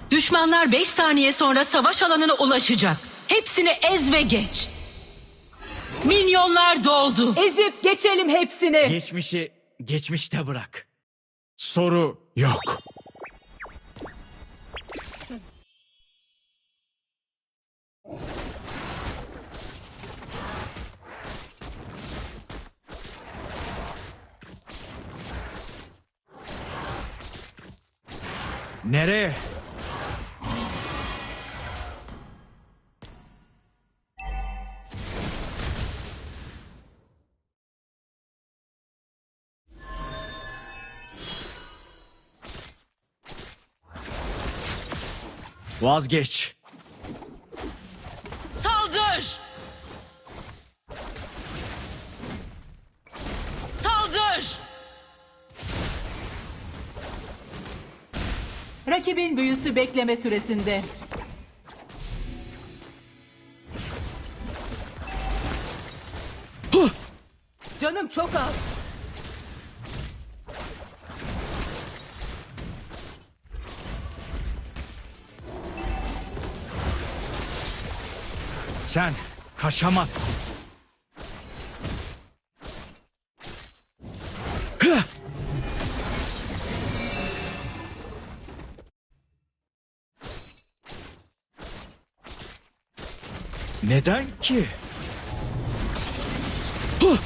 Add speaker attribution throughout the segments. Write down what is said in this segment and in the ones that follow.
Speaker 1: Düşmanlar 5 saniye sonra savaş alanına ulaşacak. Hepsini ez ve geç. Minyonlar doldu.
Speaker 2: Ezip geçelim hepsini.
Speaker 3: Geçmişi geçmişte bırak. Soru yok. Nereye? Vazgeç.
Speaker 1: Saldır! Saldır!
Speaker 2: Rakibin büyüsü bekleme süresinde. Canım çok az.
Speaker 3: Sen kaçamazsın. Hıh! Neden ki? Hıh!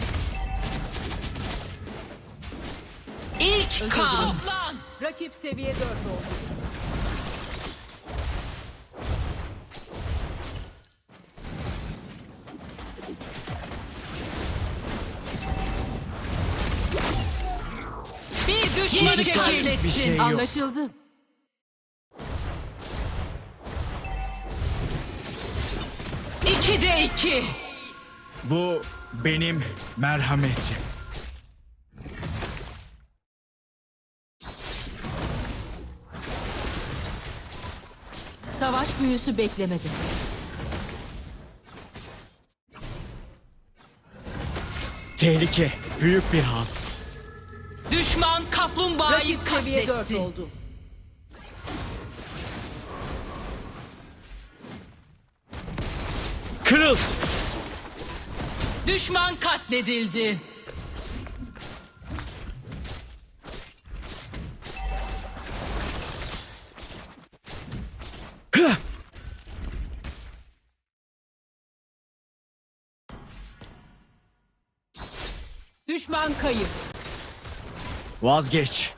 Speaker 1: İlk kan. Toplan!
Speaker 2: Rakip seviye 4 oldu.
Speaker 1: Bir düşmanı
Speaker 3: Yiyecek
Speaker 1: katlettin.
Speaker 3: bir şey yok.
Speaker 2: Anlaşıldı.
Speaker 1: İki de iki.
Speaker 3: Bu benim merhametim.
Speaker 2: Savaş büyüsü beklemedi.
Speaker 3: Tehlike büyük bir haz.
Speaker 1: Düşman kaplumbağayı
Speaker 2: Rakip seviye 4
Speaker 1: katletti.
Speaker 2: oldu.
Speaker 3: Kırıl!
Speaker 1: Düşman katledildi.
Speaker 3: Hıh!
Speaker 2: Düşman kayıp.
Speaker 3: Vazgeç.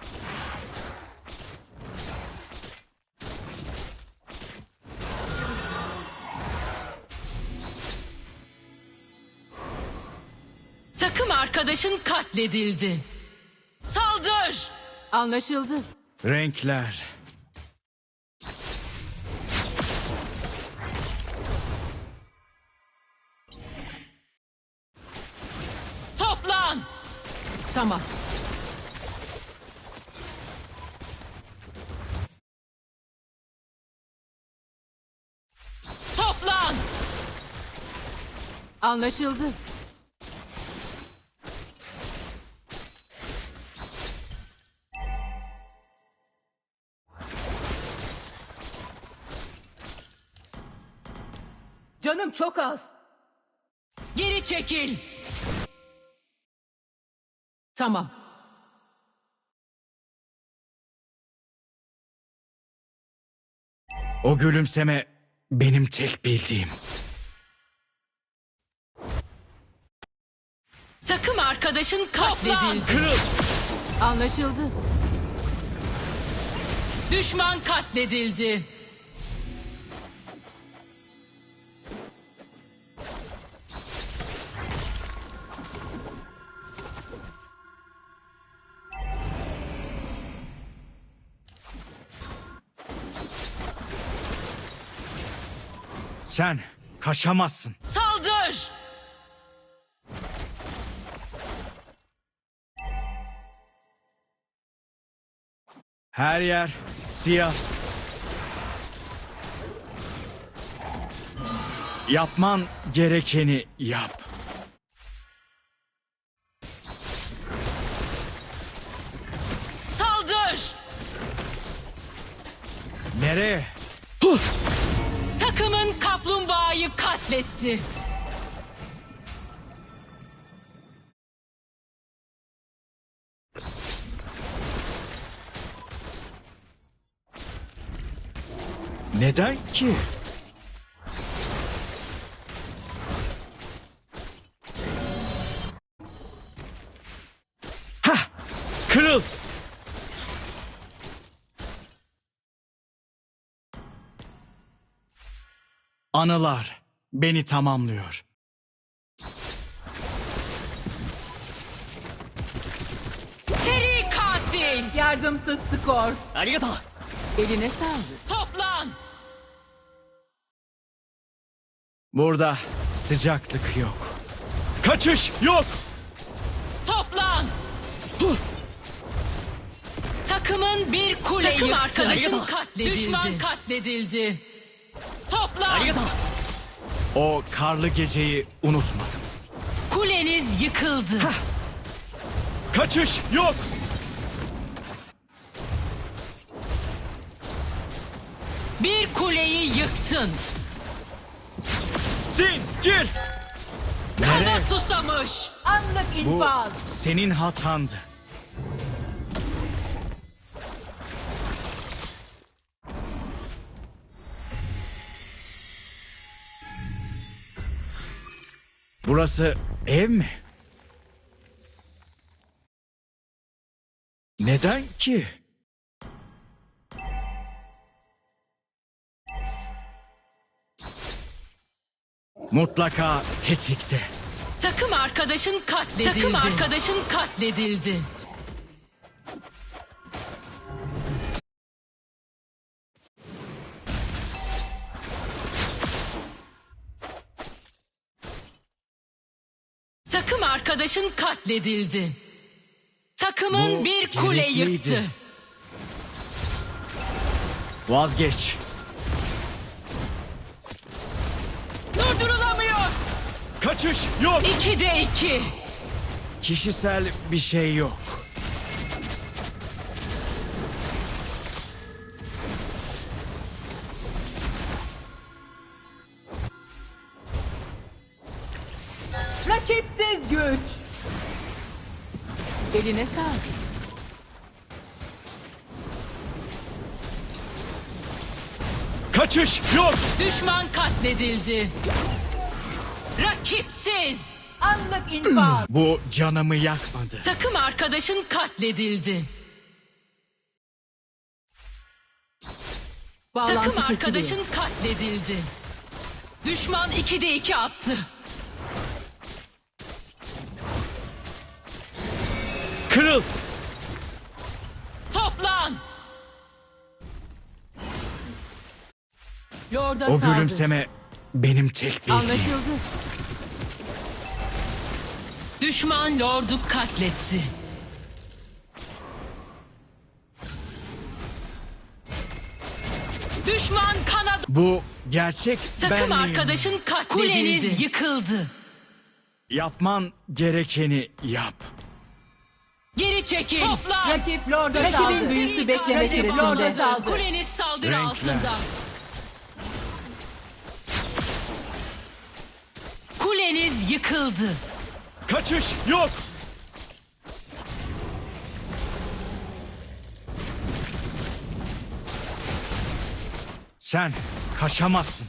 Speaker 1: Takım arkadaşın katledildi. Saldır!
Speaker 2: Anlaşıldı.
Speaker 3: Renkler.
Speaker 1: Toplan!
Speaker 2: Tamam.
Speaker 1: Toplan!
Speaker 2: Anlaşıldı. Canım çok az.
Speaker 1: Geri çekil.
Speaker 2: Tamam.
Speaker 3: O gülümseme benim tek bildiğim.
Speaker 1: Takım arkadaşın katledildi.
Speaker 3: Kırıl!
Speaker 2: Anlaşıldı.
Speaker 1: Düşman katledildi.
Speaker 3: Sen kaçamazsın.
Speaker 1: Saldır!
Speaker 3: Her yer siyah. Yapman gerekeni yap.
Speaker 1: Saldır!
Speaker 3: Nereye?
Speaker 1: Takımın kaplumbağayı katletti.
Speaker 3: Neden ki? Hah! Kırıl! Anılar beni tamamlıyor.
Speaker 1: Seri katil.
Speaker 2: Yardımsız skor. Eline sağlık.
Speaker 1: Toplan.
Speaker 3: Burada sıcaklık yok. Kaçış yok!
Speaker 1: Toplan. Takımın bir kule
Speaker 2: Takım
Speaker 1: yıktı.
Speaker 2: arkadaşın
Speaker 1: katledildi. Düşman katledildi. Toplan.
Speaker 3: O karlı geceyi unutmadım.
Speaker 1: Kuleniz yıkıldı.
Speaker 3: Kaçış yok!
Speaker 1: Bir kuleyi yıktın.
Speaker 3: Zincir!
Speaker 1: Kana
Speaker 3: Nereye?
Speaker 1: susamış.
Speaker 2: Anlık
Speaker 3: Bu
Speaker 2: infaz.
Speaker 3: senin hatandı. Burası ev mi? Neden ki? Mutlaka tetikte.
Speaker 1: Takım arkadaşın katledildi. Takım arkadaşın katledildi. Takım arkadaşın katledildi. Takımın
Speaker 3: Bu
Speaker 1: bir kule
Speaker 3: gerekliydi.
Speaker 1: yıktı.
Speaker 3: Vazgeç.
Speaker 1: Durdurulamıyor.
Speaker 3: Kaçış yok.
Speaker 1: 2'de 2.
Speaker 3: Kişisel bir şey yok.
Speaker 2: Rakipsiz güç. Eline sağlık.
Speaker 3: Kaçış yok.
Speaker 1: Düşman katledildi. Rakipsiz.
Speaker 2: Anlık infaz.
Speaker 3: Bu canımı yakmadı.
Speaker 1: Takım arkadaşın katledildi.
Speaker 2: Bağlantı
Speaker 1: Takım
Speaker 2: kesiliyor.
Speaker 1: arkadaşın katledildi. Düşman 2'de 2 attı.
Speaker 3: Kırıl.
Speaker 1: Toplan.
Speaker 2: Lord'a
Speaker 3: O
Speaker 2: saldır.
Speaker 3: gülümseme benim tek bildiğim.
Speaker 2: Anlaşıldı.
Speaker 1: Düşman lordu katletti. Düşman kanat.
Speaker 3: Bu gerçek
Speaker 1: Takım
Speaker 3: benliğim.
Speaker 1: arkadaşın katledildi. Kuleniz yıkıldı.
Speaker 3: Yapman gerekeni yap.
Speaker 1: Geri çekil. Toplan.
Speaker 2: Rakip Lord'a saldır. Rakibin büyüsü bekleme
Speaker 1: Rakip Lord'a
Speaker 2: süresinde.
Speaker 1: saldır. Kuleniz saldırı
Speaker 3: Renkler.
Speaker 1: altında. Kuleniz yıkıldı.
Speaker 3: Kaçış yok. Sen kaçamazsın.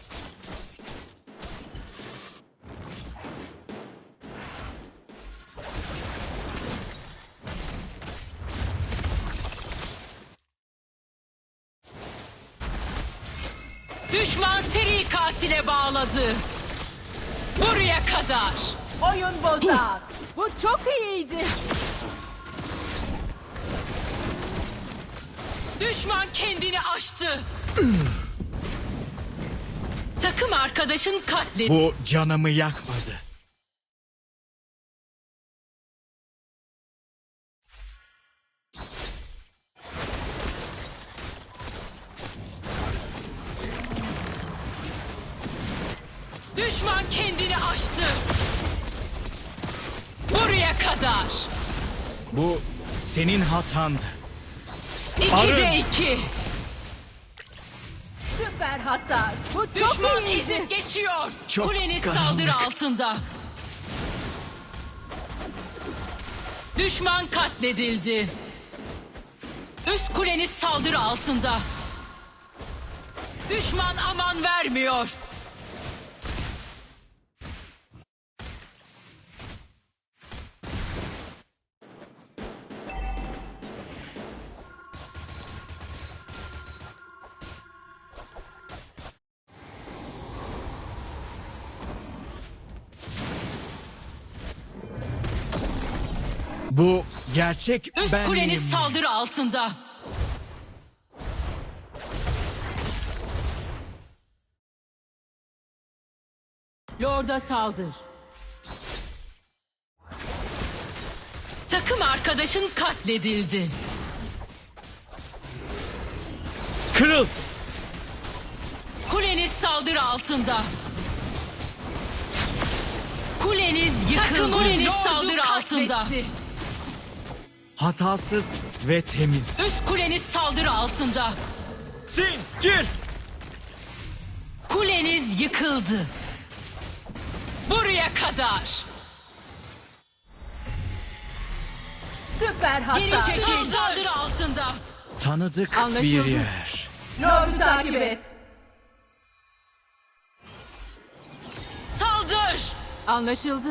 Speaker 1: Düşman seri katile bağladı. Buraya kadar.
Speaker 2: Oyun bozar. Bu çok iyiydi.
Speaker 1: Düşman kendini aştı. Takım arkadaşın katledildi.
Speaker 3: Bu canımı yakmadı.
Speaker 1: Düşman kendini aştı. Buraya kadar.
Speaker 3: Bu senin hatandı.
Speaker 1: 2'de 2.
Speaker 2: Süper hasar. Bu çok
Speaker 1: Düşman
Speaker 2: iyiydi.
Speaker 1: ezip geçiyor.
Speaker 3: Çok
Speaker 1: Kuleniz
Speaker 3: karanlık.
Speaker 1: saldırı altında. Düşman katledildi. Üst kuleniz saldırı altında. Düşman aman vermiyor.
Speaker 3: Bu gerçek
Speaker 1: Üst
Speaker 3: benliğim
Speaker 1: kuleniz
Speaker 3: mi?
Speaker 1: saldırı altında.
Speaker 2: Lord'a saldır.
Speaker 1: Takım arkadaşın katledildi.
Speaker 3: Kırıl!
Speaker 1: Kuleniz saldırı altında. Kuleniz yıkıldı. Kuleniz saldırı altında.
Speaker 3: Hatasız ve temiz.
Speaker 1: Üst kuleniz saldırı altında.
Speaker 3: Zincir!
Speaker 1: Kuleniz yıkıldı. Buraya kadar.
Speaker 2: Süper
Speaker 1: Geri
Speaker 2: hasar.
Speaker 1: çekil. Saldırı altında.
Speaker 3: Tanıdık
Speaker 2: Anlaşıldı.
Speaker 3: bir yer.
Speaker 2: Lord'u takip et.
Speaker 1: Saldır.
Speaker 2: Anlaşıldı.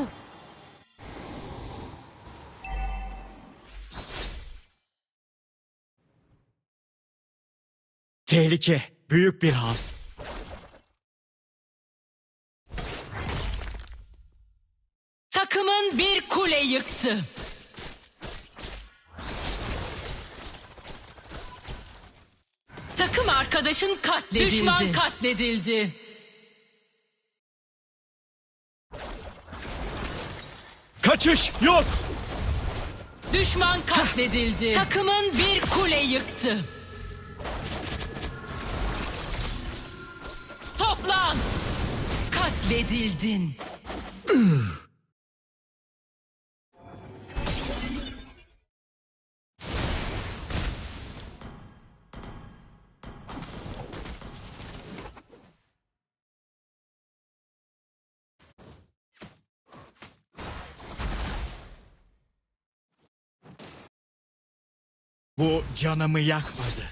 Speaker 3: Tehlike. Büyük bir haz.
Speaker 1: Takımın bir kule yıktı. Takım arkadaşın katledildi. Düşman katledildi.
Speaker 3: Kaçış yok!
Speaker 1: Düşman katledildi. Takımın bir kule yıktı. Toplan. Katledildin.
Speaker 3: Bu canımı yakmadı.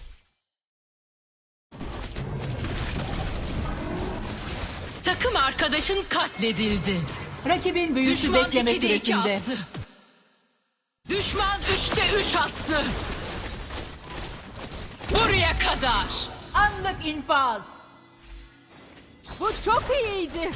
Speaker 1: Takım arkadaşın katledildi.
Speaker 2: Rakibin büyüsü
Speaker 1: Düşman
Speaker 2: bekleme
Speaker 1: 2'de 2
Speaker 2: süresinde.
Speaker 1: attı. Düşman 3'te 3 attı. Buraya kadar.
Speaker 2: Anlık infaz. Bu çok iyiydi.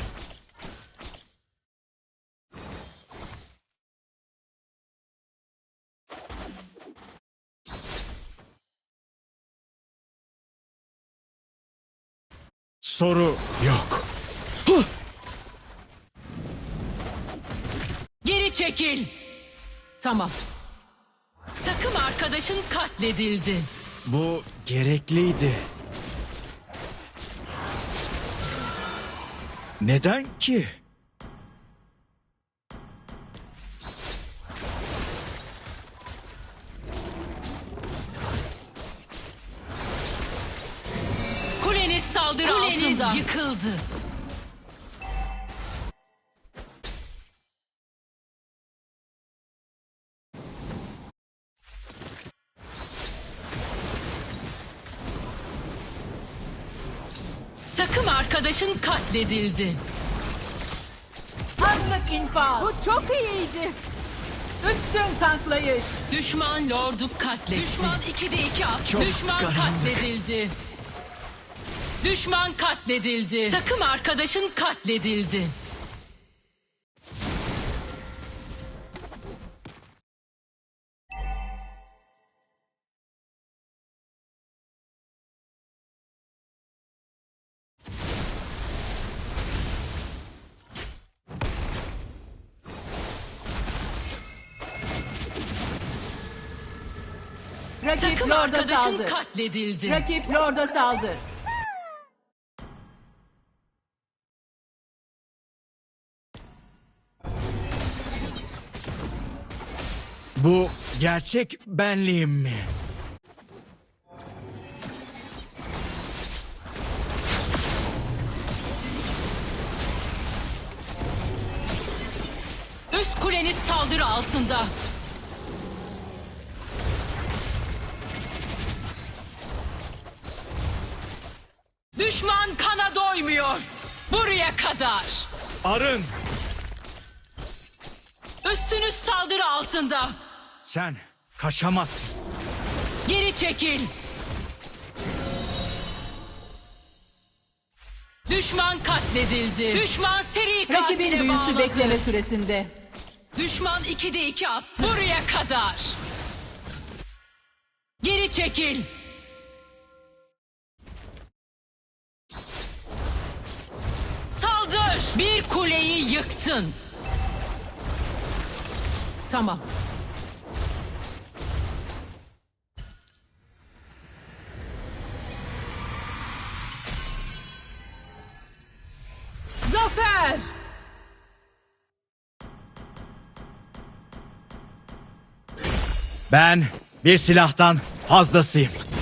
Speaker 3: Soru yok.
Speaker 1: Geri çekil.
Speaker 2: Tamam.
Speaker 1: Takım arkadaşın katledildi.
Speaker 3: Bu gerekliydi. Neden ki?
Speaker 1: Kuleniz saldırı altında. Yıkıldı. Takım arkadaşın katledildi.
Speaker 2: Anlık infaz. Bu çok iyiydi. Üstün tanklayış.
Speaker 1: Düşman lordu katletti. Düşman 2'de 2 attı.
Speaker 3: Çok
Speaker 1: Düşman
Speaker 3: karanlık.
Speaker 1: katledildi. Düşman katledildi. Takım arkadaşın katledildi.
Speaker 2: Rakip
Speaker 1: Takım
Speaker 2: Lord'a
Speaker 1: arkadaşın
Speaker 2: saldır.
Speaker 1: katledildi.
Speaker 2: Rakip Lord'a saldır.
Speaker 3: Bu gerçek benliğim mi?
Speaker 1: Kuleniz saldırı altında. Düşman kana doymuyor. Buraya kadar.
Speaker 3: Arın!
Speaker 1: Üstünüz saldırı altında.
Speaker 3: Sen kaçamazsın.
Speaker 1: Geri çekil. Düşman katledildi. Düşman seri
Speaker 2: Rakibin
Speaker 1: katile
Speaker 2: büyüsü
Speaker 1: bağladı.
Speaker 2: bekleme süresinde.
Speaker 1: Düşman 2'de 2 attı. Buraya kadar. Geri çekil. Saldır. Bir kuleyi yıktın.
Speaker 2: Tamam. Zafer!
Speaker 3: Ben bir silahtan fazlasıyım.